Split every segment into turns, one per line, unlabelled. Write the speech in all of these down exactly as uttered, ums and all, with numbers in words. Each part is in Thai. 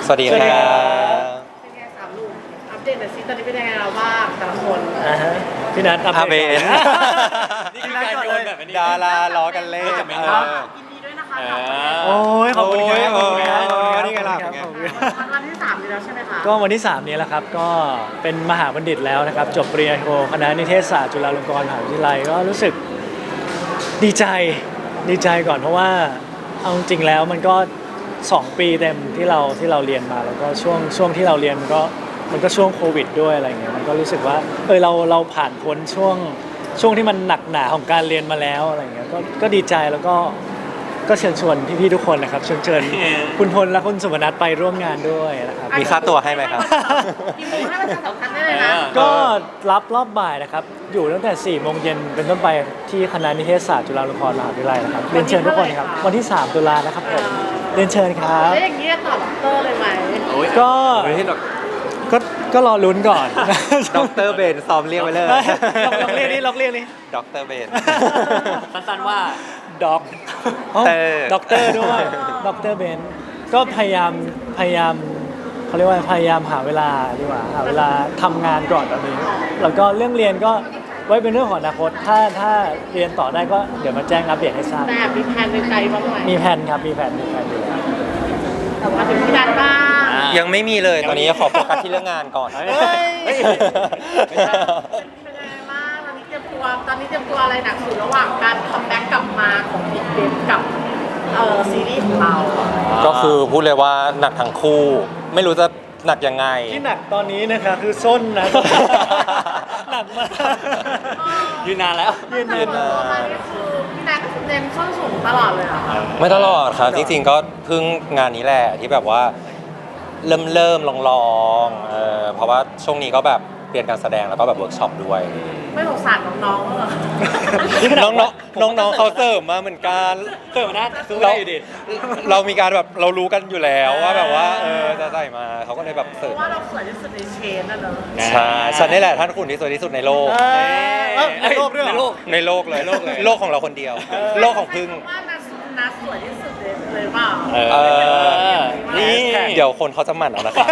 สวัสดีครับ
เป็นไงสามลูกอัปเดตหน่อยสิตอนนี้เป็นยังไงเราบ้างแต่ละคน
อ่าฮะพี่นัทอัป
อา
เด
เบ
ต
น
นี่คือการโยนแบบนี้
ดาราล้อกันเล่น
จะไม่
เอ
ครับ
อ
ยินดีด้วยนะคะ
เอ
กับ
อ
โอ้ยขอบคุณครับขอบคุณครับ
โอ้ย
ขอบคุณครับ
นี่ไงล่ะ
ขอบคุณครับ
เป็นไง
ขอบคุณครับ
วันที่สามนี้แล้วใช่ไหมคะ
ก็วันที่สามนี้แหละครับก็เป็นมหาบัณฑิตแล้วนะครับจบปริญญาโทคณะนิเทศศาสตร์จุฬาลงกรณ์มหาวิทยาลัยก็รู้สึกดีใจดีใจก่อนเพราะว่าเอาจริงๆแล้วมันก็สองปีเต็มที่เราที่เราเรียนมาแล้วก็ช่วงช่วงที่เราเรียนมันก็มันก็ช่วงโควิดด้วยอะไรเงี้ยมันก็รู้สึกว่าเออเราเราผ่านพ้นช่วงช่วงที่มันหนักหนาของการเรียนมาแล้วอะไรเงี้ยก็ก็ดีใจแล้วก็ก็เชิญชวนพี่ๆทุกคนนะครับเชิญเชิญคุณพลและคุณสุวรรณัทไปร่วมงานด้วยนะครับ
มีค่าตัวให้ไหมครับ
กี่โมงให้ประชาสัมพันธ์ได้เลยนะ
ก็รับรอบบ่ายนะครับ อยู่ตั้งแต่สี่โมงเย็นเป็นต้นไปที่คณะนิเทศศาสตร์จุฬาลงกรณ์มหาวิทยาลัยนะครับ เรียนเชิญทุกคนครับ วันที่สามตุลานะครับผม เรียนเชิญครับ
แล้วอย่างนี้จะตอบด็อกเตอร์เลยไหม
ก็
ไม่ใช่หรอก
ก็ก็รอลุ้นก่อน
ด็อกเตอร์เบนซ้อมเรียกไว้เลย
ลองลองเรียกนี่ลองเรียกนี่
ด็อกเตอร์เบน
สั้นๆว่า
ด็อก
เตอร์
ด็อกเตอร์ด้วยด็อกเตอร์เบนก็พยายามพยายามเขาเรียกว่าพยายามหาเวลาดีกว่าหาเวลาทำงานก่อนตอนนี้ แล้วก็เรื่องเรียนก็ไว้เป็นเรื่องของอนาคตถ้าถ้าเรียนต่อได้ก็เดี๋ยวมาแจ้งอัปเดตให้ทราบ
แต่มีแผนในใจบ้างไหม
มีแผนครับมีแผนมีแผนอยู่แล้ว
แต่ว่าถึงพี่นัทบ้าง
อ่ะ
ยังไม่มีเลยตอนนี้ขอโฟกัสที่เรื่องงานก่อน
เฮ้ย
เป็นยังไงบ้างตอนนี้เตรียมตัวตอนนี้เตรียมตัวอะไรหนักสุดระหว่างการคัมแบ็กกลับมาของบิ๊กเบนกับเอ่อซีรีส์ของเรา
ก็คือพูดเลยว่าหนักทั้งคู่ ไม่รู้จะหนักยังไง
ที่หนักตอนนี้นะคะคือส้นนะ หนักมาก
ยืนนานแล้ว
ยืน
แต่
ยืน
เปิดตัวมานี่คือพี่นัทเน้นส้นสูงตลอดเลยเหรอคะ
ไม่ตลอดครับ จริงๆก็เพิ่งงานนี้แหละที่แบบว่าเริ่มเริ่มลองลองๆเออเพราะว่าช่วงนี้ก็แบบเรียนการแสดงแล้วก็แบบเวิร์กช็อปด้วย
ไม่สงสารน้องๆเหรอ
น้องๆน้องๆเขาเสริมมาเหมือนกัน
เติมนะสู้
เรา
ได้อยู่ดิ
เรามีการแบบเรารู้กันอยู่แล้วว่าแบบว่าเออจะใส่มาเขาก็เลยแบบ
เพ
เสริม
ราะว่าเราสวยที่สุดในเชนน่ะเนอะ
ใช่ฉันนี่แหละท่านคุณที่สวยที่สุดในโลก
เออเอ้าในโลกด้วยเหรอ
ในโลก
ในโลกเลยโลกเลยโลกของเราคนเดียว โลกของพึ่ง
ว่านัทนัทสวยที่สุดเลยเลยเปล่า
เอ
เออ
นี่
เดี๋ยวคนเขาจะหมั่นเอานะครับ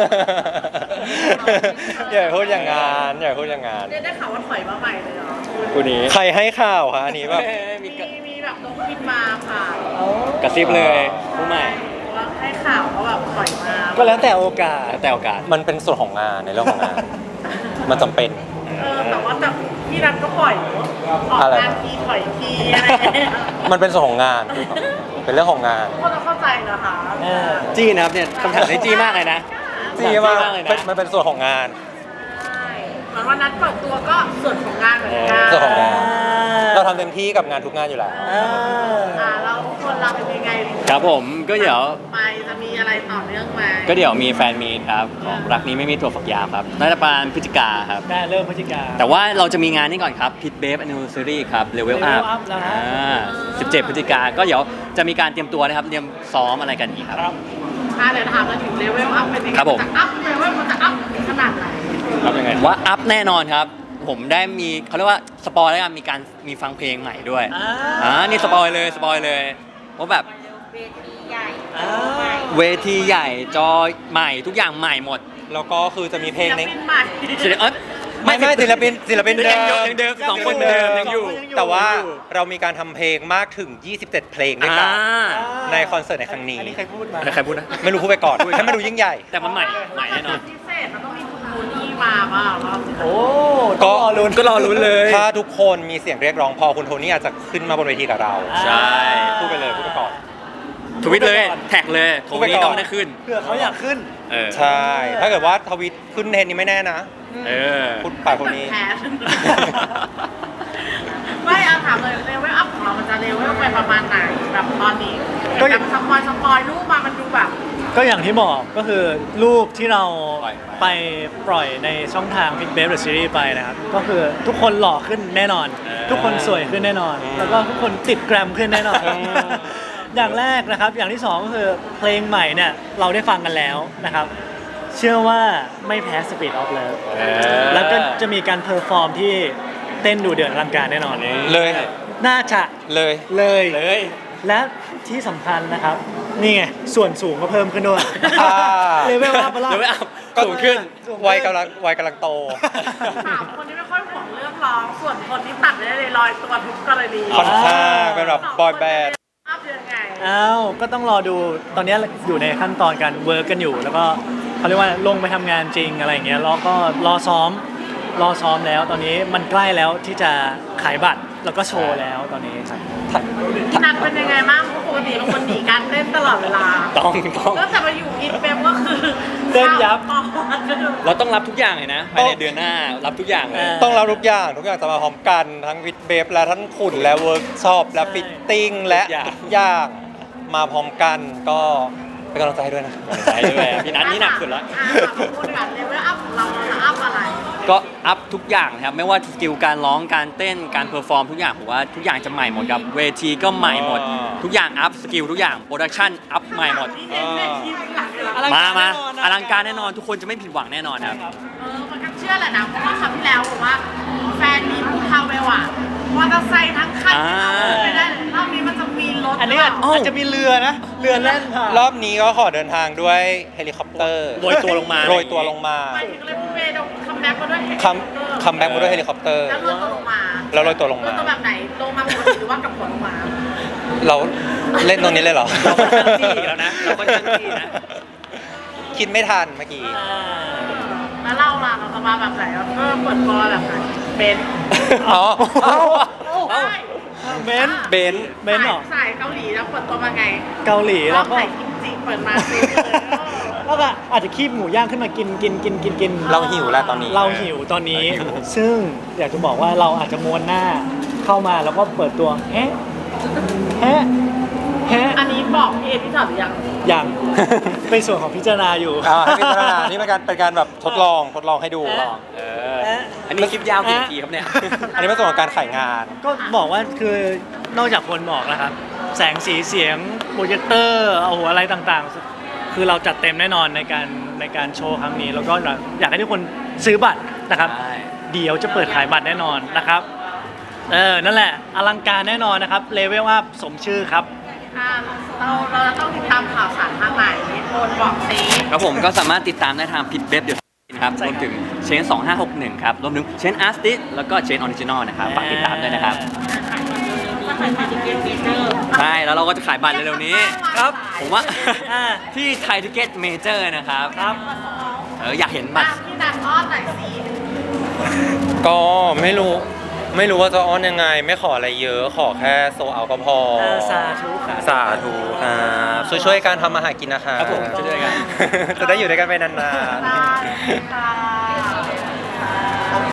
อย่าพูดอย่างงานอย่าพูดอย่างงาน
เรียกได้ข่าวว่าถอยมาใหม่เลยเหรอ
คู่นี้
ใครให้ข่าวคะอันนี้แบบ
มี
มีมีแบบนกบินมาค่ะ
กระซิบเลยคู่ใหม่
ว่าให้ข่าวว่าแบบถอยมา
ก็แล้วแต่โอกาส
แล้วแต่โอกาส
มันเป็นส่วนของงานในเรื่องของงาน มันจำเป็น
เออแต่ว่าแต่พี่นัทก็ปล่อยออก
อะไร
งานทีถอยทีอะไรอย่างเงี้ย
มันเป็นส่วนของงาน เป็นเรื่องของงาน
ทุกคนต้องเข้าใจนะคะ
เออ
จี้นะครับเนี่ยคำถามได้จี้มากเลยนะ
จริงว่า
จี้มากเลยนะ
มันเป็นส่วนของงาน
ใช่เหมือนวันนัดเปิดตัวก็ส่วนของงานเหมือนกัน
ส่วนของงาน เราทำเต็มที่กับงานทุกงานอยู่แล้ว
อ่า
อ่าเราทุกคนเราเป็นยังไง
ครับผมก็เดี๋ยว
ไปจะมีอะไรต่อเนื่องไหม
ก็เดี๋ยวมีแฟนมีตครับของรักนี้ไม่มีตัวฝักยาวครับน่าจะประมาณพฤศจิกาครับ
ได้เริ่มพฤศจิกา
แต่ว่าเราจะมีงานนี้ก่อนครับพิทเบฟแอนนิวเซอรี่ครับเลเวล
Level
อัพ
Up แล้วฮะ
อ่าสิบเจ็ดพฤศจิกาก็เดี๋ยวจะมีการเตรียมตัวนะครับเตรียมซ้อมอะไรกันอีกครับ
ครับ
อ่าเดี๋ยวถามมาถึงเลเวลอัพเป็นยังไง
ครับผม
จะอัพเลเวลมันจะอัพขนาดไหน
ครับยังไงว่าอัพแน่นอนครับ ผมได้มีเขาเรียกว่าสปอยแล้วกันมีการมีฟังเพลงใหม่ด้วย
อ่า
อ่านี่สปอยเลยสปอยเลยว่าแบบ
เวทีใหญ่
อ่า
เวทีใหญ่จอใหม่ทุกอย่างใหม่หมด
แล้วก็คือจะมีเพลงใน
ศิลปินใหม่
ศิลปินเอ้ย
ไม่ไม่ศิลปินศิลปินเดิ
ยังอยู่
ม
ยังเดิมสองคนเหมือนเดิมยังอยู่
แต่ว่าเรามีการทำเพลงมากถึง ยี่สิบเจ็ด เพลงด้วยกัน
อ่า
ในคอนเสิร์ตในครั้งนี้
อันนี้ใครพูดมา
ใครพูดนะ
ไม่รู้พูดไปก่อนให้มันดูยิ่งใหญ่
แต่มันใหม่ใหม่แน่นอน
พิเศษมันต้องมีคุณโทนี่มาเปล่าเรา
โอ้
ก็
ต้องรอลุ้น
ก็รอลุ้นเลย
ถ้าทุกคนมีเสียงเรียกร้องพอคุณโทนี่อาจจะขึ้นมาบนเวทีกับเรา
ใช่
พูดไปเลยพูดไปก่อน
ทวิตเลยแท็กเลยโท
พูดไป
นี้
ก่อน
ต้องได้ขึ้น
เผื่อเขาอยากขึ้น
เออ
ใช่ ถ้าเกิดว่าทวิตขึ้นเทรนด์นี้ไม่แน่นะ
เออ
พูดปากคนนี้
แพ้ไม่เอาถามเลยเลเวลอัพของเรามันจะเลเวลไปประมาณไหนแบบตอนนี้
ก็
แบบสปอยสปอยรูปมามันดูแบบ
ก็อย่างที่บอกก็คือรูปที่เรา
ปล่อย
ไปปล่อยในช่องทาง Big Babe The Series ไปนะครับ ก็คือทุกคนหล่อขึ้นแน่นอน
เออ
ทุกคนสวยขึ้นแน่นอน
อืม
แล้วก็ทุกคนติดแกรมขึ้นแน่นอน
อืม
อย่างแรกนะครับ อย่างที่สองก็คือเพลงใหม่เนี่ยเราได้ฟังกันแล้วนะครับ เชื่อว่าไม่แพ้ Speed of Love
เออ
แล้วก็จะมีการเพอร์ฟอร์มที่เต้นดูเดือดอลังการแน่นอน
เลย
น่าจะ
เลย
เลย
เลย
และที่สำคัญนะครับนี่ไงส่วนสูงก็เพิ่มขึ้นด้วย
อ่า
เลเวลอัพมาแล้ว
เลเวลอัพสูงขึ้น
วัยกำลังวัยกำลังโต
ถามคนที่ไม่ค่อยห่วงเรื่องร้องส่วนคนที่ตัดได้เลยลอยตัวทุกกรณี
ค่อนข้างเป็นแบบบอยแบนด์
อัพยังไง
อ้าวก็ต้องรอดูตอนนี้อยู่ในขั้นตอนการเวิร์กกันอยู่ แล้วก็เขาเรียกว่าลงไปทำงานจริงอะไรอย่างเงี้ยแล้วก็รอซ้อมรอซ้อมแล้วตอนนี้มันใกล้แล้วที่จะขายบัตรแล้วก็โชว์แล้วตอนนี้ครับ
พี่นัทเป็นยังไงบ้างเพราะปกติเป็นคนหนีการเต้นตลอดเวลา
ต้องต้อง
ตั้งแต่มาอยู่อินเปมก็คือ
เต้นยับ
ข้าวปอด
เราต้องรับทุกอย่างเลยนะภายในเดือนหน้ารับทุกอย่างเลย
ต้องรับทุกอย่างทุกอย่างจะมาพร้อมกันทั้งวิดเบฟและทั้งขุนและเวิร์กช็อปและฟิตติ้งและทุกอย่างมาพร้อมกันก็เป็นกำลังใจให้ด้วยนะ
ใช่ด้วยพี่นัทนี่หนักสุดแล้ว
อ่ะถามพูดกันเลเวลอัพของเราเราอัพอะไร
ก็อัพทุกอย่างนะครับไม่ว่าสกิลการร้องการเต้นการเพอร์ฟอร์มทุกอย่างผมว่าทุกอย่างจะใหม่หมดครับเวทีก็ใหม่หมด
อ่า
ทุกอย่างอัพสกิลทุกอย่างโปรดักชั่นอัพใหม่หมด
นี่เห็นในทีมหลักเลยเหรอ
อลัง
มา
การ
มา
แน่นอนนะ
อลังการแน่นอนทุกคนจะไม่ผิดหวังแน่นอนครับ
เออมันก็เชื่อแหละนะเพราะว่าครั้งที่แล้วผมว่าแฟนมีภูทาเวลอะมอเตอร์ไซค์ทั้งคัน
อ่า
ไม่ได้เลยรอบนี้มันจะมีรถ
อันนี้
หรืเปล่า
อาจจะมีเรือนะเรือแล่นผ่าน
รอบนี้ก็ขอเดินทางด้วยเฮลิคอปเตอร์
โรยตัวลงมา
โรยตัวลงมา
หมายถึงเลยเมย์คัมแบ็กมาด้วยเฮลิ
คัม
คอปเตอร์
คัมแบ็กมาด้วยเฮลิคอปเตอร์
แล้วโรยตัวลงมา
แล้วโรยตัวลงมา
โรยตัวแบบไหนลงมาปกติหรือว่ากับหัวลงมา
เราเล่นตรงนี้เลยเหรอ
เราค่อนข้างจี้แล้วนะเราค่อนข้างจี้นะ
คิดไม่ทันเมื่อกี้
แล้วเราล่ะเราจะมาแบบไหนเราก็เปิดตัวแบบไหนเป็น
อ๋อเอ้า
ใช่
เบนซ์
เบนซ์
เบนซ์เหรอ
สายเกาหลีแล้วเปิดตัวมาไง
เกาหลี
ร
แล้
อ
ว
บ
ก็
ไหนกิมจิเปิดมาซื้อเลย
แล้วก็อาจจะคีบหมูย่างขึ้นมากินกินกินกินกิน
เราหิวแล้วตอนนี้
เราหิวตอนนี้ ซึ่งอยากจะบอกว่าเราอาจจะม้วนหน้าเข้ามาแล้วก็เปิดตัวแฮะแฮะแฮะ
อันนี้บอกพี่เอพี่จอดหรือยัง
อย่าง เป็นส่วนของพิจารณาอยู่
อ่าให้พิจารณานี่เป็นการเป็นการแบบทดลองทดลองให้ดู
เอ๊ะ
เอออันนี้คลิปยาวกี่นาทีครับเนี่ย
อันนี้เป็นส่วนของการขายงาน
ก็บอกว่าคือนอกจากคนบอกแล้วครับ แสงสีเสียงโปรเจคเตอร์เอาหัวอะไรต่างๆ คือเราจัดเต็มแน่นอนในการในการโชว์ครั้งนี้ แล้วก็อยากให้ทุกคนซื้อบัตรนะครับ
ใช่
เดี๋ยวจะเปิดขายบัตรแน่นอนนะครับ เออ นั่นแหละ อลังการแน่นอนนะครับ เลเวลอัพสมชื่อครับ
อ่าเราเราจะต้องติดตามข่าวสารทางไหนโอนบอกซี
ครับผมก็สามารถติดตามได้ทางพิดเว็บเดี๋ยวนะครับรวมถึงเชนสองห้าหกหนึ่งครับรวมถึงเชนอาร์ติสแล้วก็เชนออริจินอลนะครับฝากติดตามด้วยนะครับ
ถ้าใครมาดิเกตเมเจอร์
ใช่แล้วเราก็จะขายบัตรเร็วๆนี้
ครับ
ผมว่า
อ่า
ที่ไทยทิเก็ตเมเจอร์นะครับ
ครับ
เอออยากเห็นบัตร
พี่นัทอ้อนหน่อยสิ
ก็ไม่รู้ไม่รู้ว่าจะอ้อนยังไง ไม่ขออะไรเยอะขอแค่โซเอาก็พอ
เออสาธุครับ
สาธุครับช่วยๆกันทำมาหากินนะคะ
ครับผมช่วยๆกัน
จะได้อยู่ด้วยกันไปนาน
ได้ค่ะ